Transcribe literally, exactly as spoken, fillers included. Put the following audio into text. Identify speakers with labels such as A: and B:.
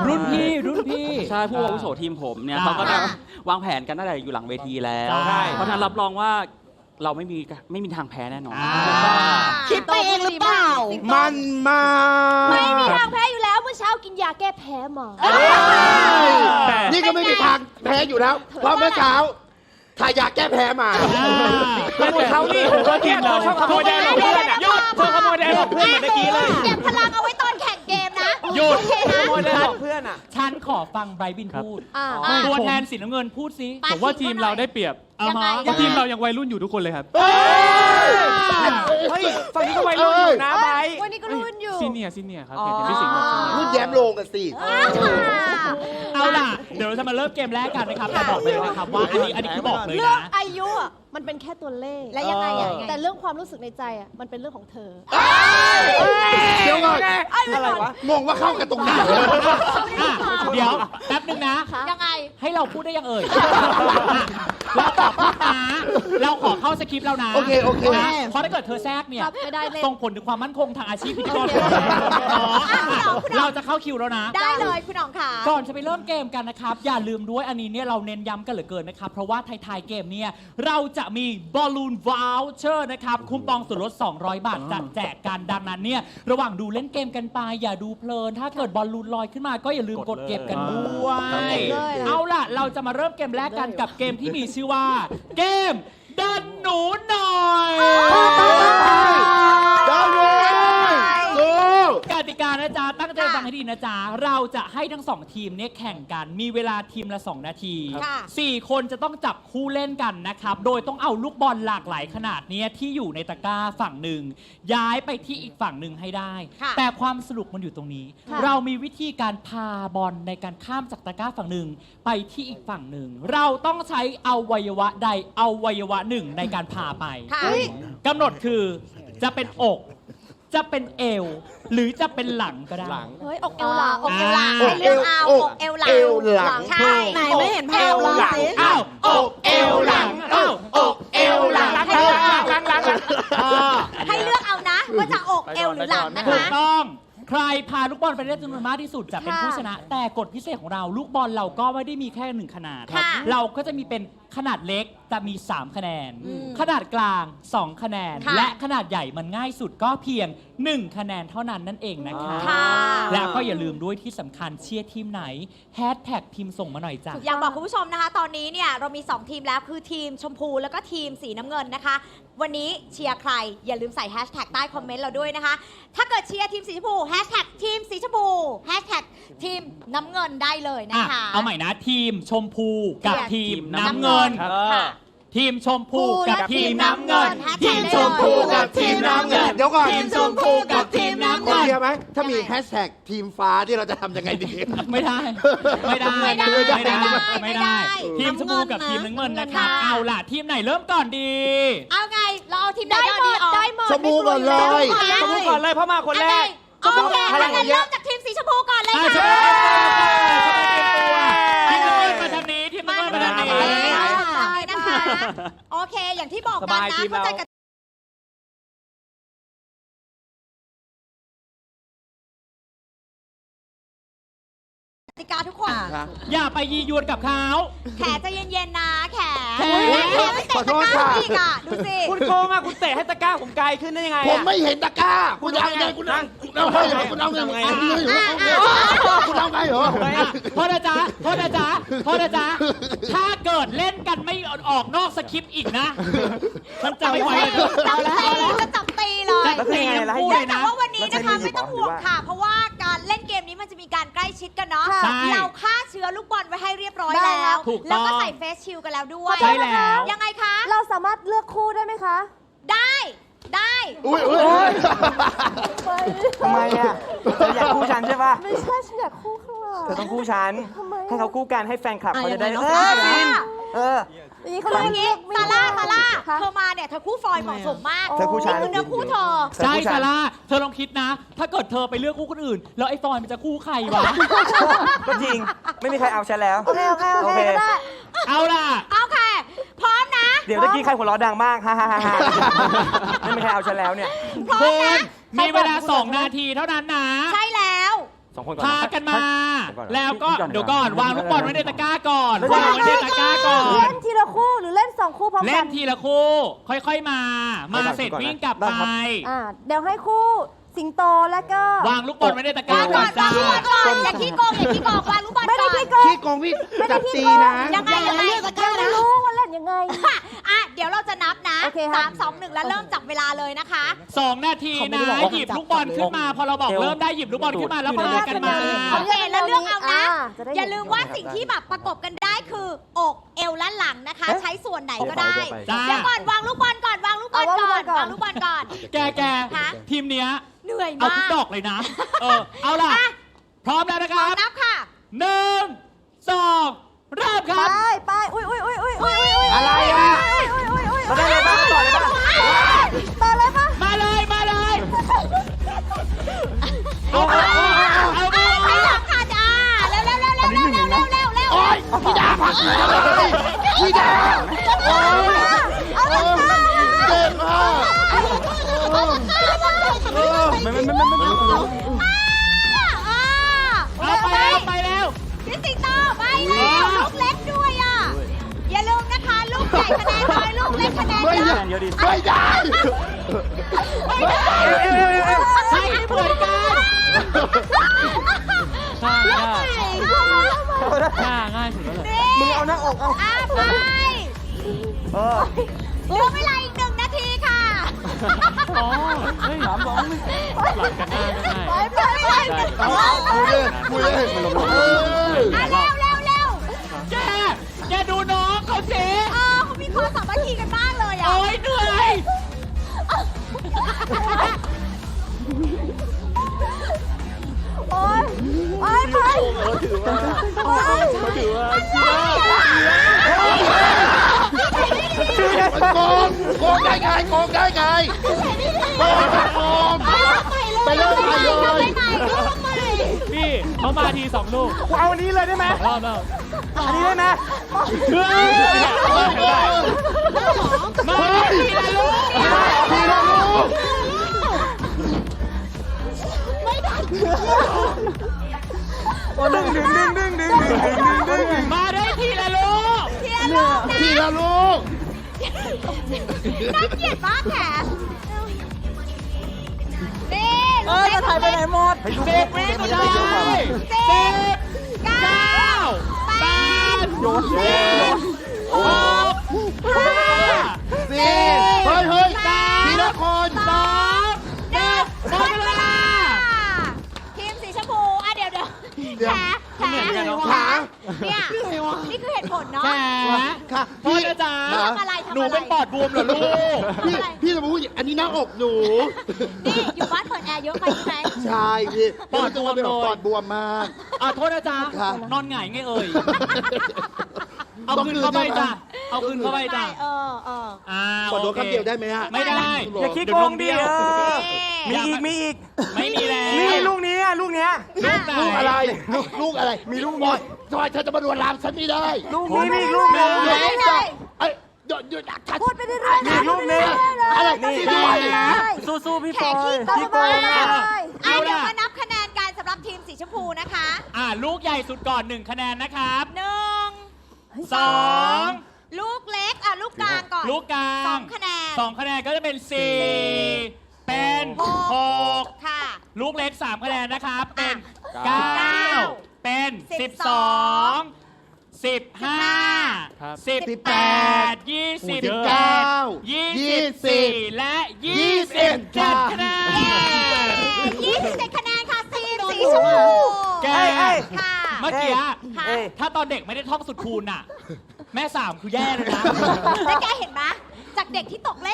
A: รุ่นพี่รุ่นพี่
B: ใช่ผู้อาวุโสทีมผมเนี่ยเขาก็จะวางแผนกันตั้งแต่อยู่หลังเวทีแล้วเพราะฉะนั้นรับรองว่าเราไม่มีไม่มีทางแพ้แน่นอน
C: คิดไปเองหรือเปล่า
D: มันมา
C: ไม่มีทางแพ้อยู่แล้วเมื่อเช้ากินยาแก้แพ้มา
D: นี่ก็ไม่มีทางแพ้อยู่แล้วเพราะเมื่อเช้าทายาแก้แพ้มา
E: แล้วเขานี่ตัวทีมเราชอบขโมยแดงของเพื่อนหยุดเธอขโมยแดงของเพื่อนเหมือนเมื่อกี้เลย
C: เก็บพลังเอาไว้ตอนแข่งเกมนะ
E: หยุดขโมยแดงของเพื่อนอ่ะ
A: ฉันขอฟังไบรท์บินพูดตัวแทนสีน้ำเงินพูดสิ
F: ผมว่าทีมเราได้เปรียบเพราะทีมเรายังวัยรุ่นอยู่ทุกคนเลยครับ
E: เฮ้ยฝั่งนี้ก็วัยรุ่นอยู่นะไบร์ท
C: วันนี้ก็รุ่นอยู่
F: ซีเนียซีเนียครับเห็นพี่สิงห์
D: รุ่นแย้มโลงกันสิ
A: เอาล่ะเดี๋ยวเราจะมาเริ่มเกมแรกกันนะครับแต่บอกเลยนะครับว่าอันนี้อันนี้คือบอกเลยนะ
C: เรื่องอายุมันเป็นแค่ตัวเลข
G: และยังไง
C: แต่เรื่องความรู้สึกในใจอ่ะมันเป็นเรื่องของเธอ
D: เดี๋ยวก่อนอะไรวะงงว่าเข้ากันตรงไหน
A: เดี๋ยวแป๊บนึงนะ
C: ยังไง
A: ให้เราพูดได้ยังเอ่ยเราตอบพูดนะเราขอเข้าสคริปต์แล้วนะ
D: โอเคโอเค
A: เพราะถ้าเกิดเธอแทรกเนี่ยส่งผลถึงความมั่นคงทางอาชีพพิธีกรเราจะเข้าคิวแล้วนะ
C: ได้เลยคุณอ๋องค่ะ
A: ก่อนจะไปเริ่มเกมกันนะครับอย่าลืมด้วยอันนี้เนี่ยเราเน้นย้ำกันเหลือเกินนะครับเพราะว่าท้ายๆเกมเนี่ยเราจะมีบอลลูนวอลเชอร์นะครับคูปองส่วนลดสองร้อยบาทจัดแจกกันดังนั้นเนี่ยระหว่างดูเล่นเกมกันไปอย่าดูเพลินถ้าเกิดบอลลูนลอยขึ้นมาก็อย่าลืมกดเก็บกันด้วยเอาล่ะเราจะมาเริ่มเกมแรกกันกับเกมที่มีชื่อว่าเกมดันหนูหน่อย
D: ดันหนู
A: กติกานะจ๊ะตั้งใจฟังให้ดีนะจ๊ะเราจะให้ทั้งสองทีมเนี่ยแข่งกันมีเวลาทีมละสองนาทีสี่คนจะต้องจับคู่เล่นกันนะครับโดยต้องเอาลูกบอลหลากหลายขนาดนี้ที่อยู่ในตะกร้าฝั่งหนึ่งย้ายไปที่อีกฝั่งหนึ่งให้ได้แต่ความสนุกมันอยู่ตรงนี้เรามีวิธีการพาบอลในการข้ามจากตะกร้าฝั่งหนึ่งไปที่อีกฝั่งหนึ่งเราต้องใช้อวัยวะใดอวัยวะหนึ่งในการพาไปกำหนดคือจะเป็นอกจะเป็นเอวหรือจะเป็นหลังก็ได้
C: เฮ้ยอกเอวหลังอกเอวหลังเรื่องเอาอกเอวหลังเอ
D: วหลัง
C: ใช่
G: ไหนไม่เห็นภาพเลย
A: อ้าวอกเอวหลังอ้าวอกเอวหลัง
E: หลังหลังหลัง
C: ให้เลือกเอานะว่าจะอกเอวหรือหลังนะคะ
A: ถูกต้องใครพาลูกบอลไปได้จำนวนมากที่สุดจะเป็นผู้ชนะแต่กฎพิเศษของเราลูกบอลเราก็ไม่ได้มีแค่หนึ่งขนาดเราก็จะมีเป็นขนาดเล็กจะมีสามคะแนนขนาดกลางสองคะแนนและขนาดใหญ่มันง่ายสุดก็เพียงหนึ่งคะแนนเท่านั้นนั่นเองนะคะแล้วก็อย่าลืมด้วยที่สำคัญเชียร์ทีมไหนแฮชแท็กพิมพ์ส่งมาหน่อยจ้ะ
C: อยากบอกคุณผู้ชมนะคะตอนนี้เนี่ยเรามีสองทีมแล้วคือทีมชมพูแล้วก็ทีมสีน้ำเงินนะคะวันนี้เชียร์ใครอย่าลืมใส่แฮชแท็กใต้คอมเมนต์เราด้วยนะคะถ้าเกิดเชียร์ทีมสีชมพูแฮชแท็กทีมสีชมพูแฮชแท็กทีมน้ำเงินได้เลยนะคะ
A: เอาใหม่นะทีมชมพูกับทีมน้ำเงินทีมชมพูกับทีมน้ำเงินทีมชมพูกับทีมน้ำเงิน
D: เดี๋ยวก่อน
A: ทีมชมพูกับทีมน้ำเงิน
D: เดี๋ยวไหมถ้ามีแฮชแท็กทีมฟ้าที่เราจะทำยังไงดี
A: ไม่ได้ไม่ได้ไม่ได้ไม่ได้ไม่ได้ทีมชมพูกับทีมน้ำเงินนะครับเอาล่ะทีมไหนเริ่มก่อนดี
C: เอาไงเราเอาทีมไหนก่อนดี
D: ได้หมดชมพูก่อนเลย
E: ชมพูก่อนเลยเพราะมาคนแรก
C: โอเคงั้นเริ่มจากทีมสีชมพูก่อนเลยค่ะ
A: ทีมน้ำเงินมาทางนี้ทีมน้ำเงินมาทางนี้
C: นะคะโอเคอย่างที่บอกกันนะเข้าใจกันกติกาทุกคน
A: อย่าไปยียวนกับเขา
C: แขใจเย็นๆนะแขแขไม่เตะตะกร้าอีกอ่ะดูสิ
E: คุณโกงอ่ะคุณเตะให้ตะกร้าผมไกลขึ้นได้ยังไง
D: ผมไม่เห็นตะกร้าคุณเอาไงคุณเอาคุณเอาไงคุณเอาไงคุณเอาไงเหรอ
A: โทษนะจ๊ะโทษนะจ๊ะโทษนะจ๊ะถ้าเกิดเล่นกันไม่ออกนอกสคริปต์อีกนะฉันจะไม่ไหวเลย
C: จับตีจะจับตีเลย
A: จับตี
C: พูดแต่ว่าวันนี้นะคะไม่ต้องห่วงค่ะเพราะว่าการเล่นเกมนี้มันจะมีการใกล้ชิดกันเนาะเราฆ่าเชื้อลูกบอลไว้ให้เรียบร้อยแล้วแล้วก็ใส่เฟสชิลกันแล้วด้วย
A: ใช่แล้ว
C: ยังไงคะ
G: เราสามารถเลือกคู่ได้ไหมคะ
C: ได้ได้
D: อุ้ยอุ้ย
E: ทำไมอ่ะเธออยากคู่ฉันใช่ป่ะ
G: ไม่ใช่ฉันอยากคู่ข้างหลัง
E: เธอต้องคู่ฉันให้เขาคู่กันให้แฟนคลับเขาจะได้เออเออ
C: อย่างนี้เขาเรียกงี้ซาร่าซาร่าเธอมาเนี่ยเธอคู่ฟอยเหมาะสมมาก
E: เธอคู่ฉัน
C: นี่คือเนื้อคู่เธอ
A: ใช่ซาร่าเธอลองคิดนะถ้าเกิดเธอไปเลือกคู่คนอื่นแล้วไอ้ฟอยมันจะคู่ใครวะ
E: ก็จริงไม่มีใครเอาฉันแล้ว
G: โอเคโอเคโอเค
A: เอาล่ะ
C: เอาค่ะพร้อมนะ
E: เดี๋ยวตะกี้ใครหัวเราะดังมากฮ่าฮ่าฮ่าไม่มีใครเอาฉันแล้วเนี่ย
C: พร้อมนะ
A: มีเวลาสองนาทีเท่านั้นนะ
C: ใช่แล้ว
E: สองคนก่อน
A: พากันมาแล้วก็
B: พี่ก่อน
A: เดี๋ยวก่อนวางลูกบอลไว้ในตะกร้าก่อน
G: เล่น
A: วางไว้ในตะกร้าก่อน
G: เล่นทีละคู่หรือเล่นสองคู่พร้อม
A: เล่
G: กัน น
A: ทีละคู่ ค่อยๆมา มาเสร็จวิ่งกลับไป
G: อ่าเดี๋ยวให้คู่สิงโตแล้วก็
A: วางลูกบอลไว้ในตะกร้าว
C: าง
A: ก่
C: ก่
A: อ
C: อน น
A: จ้า
C: วางลูกบอลก่อนอย่าขี้โกงอย่าขี้โกงวางลูกบอล
G: ไม่
C: ก่
G: ได้
C: อน
G: พี่โกง
D: ขี้โกงพี่จับตีนะ
C: ยังไงยังไง
G: ยังไม่รู้ว่าเล่นยังไง
C: อ่ะเดี๋ยวเราจะนับนะ
G: โอเคครับ
C: สามสองหนึ่งแล้วเริ่มจับเวลาเลยนะคะ
A: สองนาทีนะหยิบลูกบอลขึ้นมา พอเราบอกเริ่มได้หยิบลูกบอลขึ้นมาแล้วพากันมา
C: โอเคแล้วเลือกเอานะ
G: อ่าจะได้เห็น
C: อย่าลืมว่าสิ่งที่แบบประกบกันได้คือ อกเอวและหลังนะคะ ใช้ส่วนไหนก็ได้
A: จ้า
C: เดี๋ยวก่อนวางลูกบอลก่อนวางลูกบอลก่อนวางลูกบอลก่อน
A: แกแก
C: ฮะ
A: ทีมเนี้ย
C: เหนื่อย
A: เอา
C: มา
A: ทุก
C: ก
A: ดอกเลยนะ เออ เอาล่ะ
C: อ่ะ
A: พร้อมแล้วนะครับ
C: นับค่ะ
A: หนึ่งสองเริ่มค
G: ไป
A: รับ
G: ไปอุ้ยอุ้ยอุ้ยอุ้ยอุ้ยอุ้ย
D: อะไรอ่ะ
G: อุ้ยอุ้ยอุ้ย
E: เราได้เลยป่ะต่อเลยป่ะ
G: ต่อเลยปะ
A: มาเลยมาเลยเอาเอาเอาเอา
C: ใช้หลังค่ะจ้าเร็วเร็วเร็วเร็วเร็วเร็วเร็วเร็วเร็ว
D: โอ๊ยพี่ดาพักเลยพี่ดาโอ๊ย
G: เอาเลยค่ะ
D: เจ็บมาก
E: ไม่ไม่ไม่ไม่ไม่
A: เอาไปแล้วไปแล้ว
C: พี่สิงโตไปแล้วลูกเล็กด้วยอ่ะอย่าลืมนะคะ ลูกใหญ่คะแนนน้อยลูกเล็กคะแนน
D: ไม่
C: เย
D: ได้
C: อะ
B: เยอะดิ
D: ไม่ได้
C: ไม่ได้
A: ใช่เหมือนกันง่ายง่ายง่ายง่ายสุดแล้วเลย
E: มึงเอาหน้าอกเอา
C: อ่ะไป
E: เออ
C: เหลือเวลาอีกหนึ่งนาทีค่ะ
A: อ๋อเฮ้ยสามสองหนึ่งหลังกันง่ายง่าย
G: ไปไปไป
D: เอาคุยเลยคุยเลยเออ
C: อ่ะเร็วเร็วเร็ว
A: แกแกดูน้องเขาสิ
C: เออเขามีความสามัคคีกันมากเลยอ่ะ
A: โอ้ยเหนื่อย
G: โอ๊ยไปไป
D: โกงโกงได้ไงโกงได้ไงโกงโกงไปเริ่มใหม่เลย
F: พี่เขามาทีสองลูก
E: กูเอาอันนี้เลยได้ไหม
F: รอบแล้ว
E: อันนี้ได้ไหม
A: เฮ้ยมาทีละลูก
D: ทีละลูก
E: ดึงดึงดึงดึงดึงดึงดึงดึงดึง
A: มาได้ทีละลูก
D: ทีละลูก
C: น่าเกลียดมากแขนนี่
G: เออจะถ่ายไปไหนหมด
A: สิบวิสุดท้ายสิบเก้าแปดเจ็ดหกห้า
D: สี่เฮ้ยเฮ้ยทีละคน
A: สองหนึ่งหมดเวลา
C: ทีมสีชมพูอ่ะเดี๋ยวเดี๋ยว
D: เดี๋ยว
C: แขนแขน
D: ขา
C: เนี่ยนี่คือเหตุผลเนาะ
A: แหม
D: ค่ะ
A: โทษนะจ๊ะ
C: ทำอะไรทำอะไร
A: หนูเป็นปอดบวมเหรอลูก
D: พี่พี่จะมาพูดอย่างอันนี้หน้าอกหนู
C: นี่อยู่บ้านเปิดแอร์เยอะไปใช่ไหม
D: ใช่พี่
A: ปอดบวมเลย
D: ปอดบวมมาก
A: อ่ะโทษนะจ๊ะ
D: ครับ
A: นอนหงายไงเอ่ย เอาคืนเข้าไปจ้ะ เอาคืนเข้าไปจ้ะ
C: เออเออ
A: อ่า
D: ขอโดน
A: โเค
D: คำเดียวได้ไหมฮะ
A: ไม่ได้
E: อย่าขี้โกงดิเออมีอีกมีอีก
A: ไม่มีแล้ว
E: นี่ลูกนี้อ่ะลูกเนี้ย
A: ลูกไหน
D: ลูกอะไร ลูกลูกอะไร มีลูกบอยทำไมเธอจะมาดวลลามฉันไม่ได้
E: ลูกนี้มีอีกลูกนึง
C: ได้เลย
D: เอ้ยหยุดหยุดฉัน
G: พูดไปเรื่อยๆ
E: มีอีกลูกนึง
D: อะไร
E: นี่
D: นี่
E: ได้
D: ด้วย
E: นะ
G: ได้
E: สู้ๆพี่
C: แข
E: ฟอก
C: ขี้
E: ย
C: โกง
E: พี่โกง
C: มา
E: อ่ะ
C: ก
G: ได้
C: อ่ะเดี๋ยวมานับคะแนนกันสำหรับทีมสีชมพูนะคะ
A: อ่าลูกใหญ่สุดก่อนหนึ่งคะแนนนะครับ
C: หนึ่ง
A: สอง
C: ลูกเล็กอ่ะลูกกลางก่อน
A: ลูกกลาง
C: สองคะแนน
A: สองคะแนนก็จะเป็นสี่เป็น
C: หก
A: หก
C: ค่ะ
A: ลูกเล็กสามคะแนนนะครับ เป็น
B: เก้า
A: เก้าเป็น
C: สิ
A: สิ
C: บบ ส
A: ส
C: อ
A: อง งสิบห้า
F: ครับ
A: สิบแปดยี่สิบ
D: สิบเก้า
A: ยี่
D: ยี่
A: สิบ
D: สิ
A: สี่
D: บ
A: และ
D: ยี่
A: ยี่
D: สิ
A: สิ
D: บบ
A: เจ็ด
D: ค่ะ
A: คะแนน
C: ยี่สิบเจ็ดคะแนนค่ะทีมสีชมพู
A: แก
E: เอ้ยเอ้ย
C: ค่ะ
A: เมื่อกี้อะ
C: ค่ะ
E: เอ้ย
A: ถ้าตอนเด็กไม่ได้ท่องสุดคูณอ่ะ แม่สามคือแย่เลยนะ
C: แล้วแกเห็นไหมจากเด็กที่ตกเลข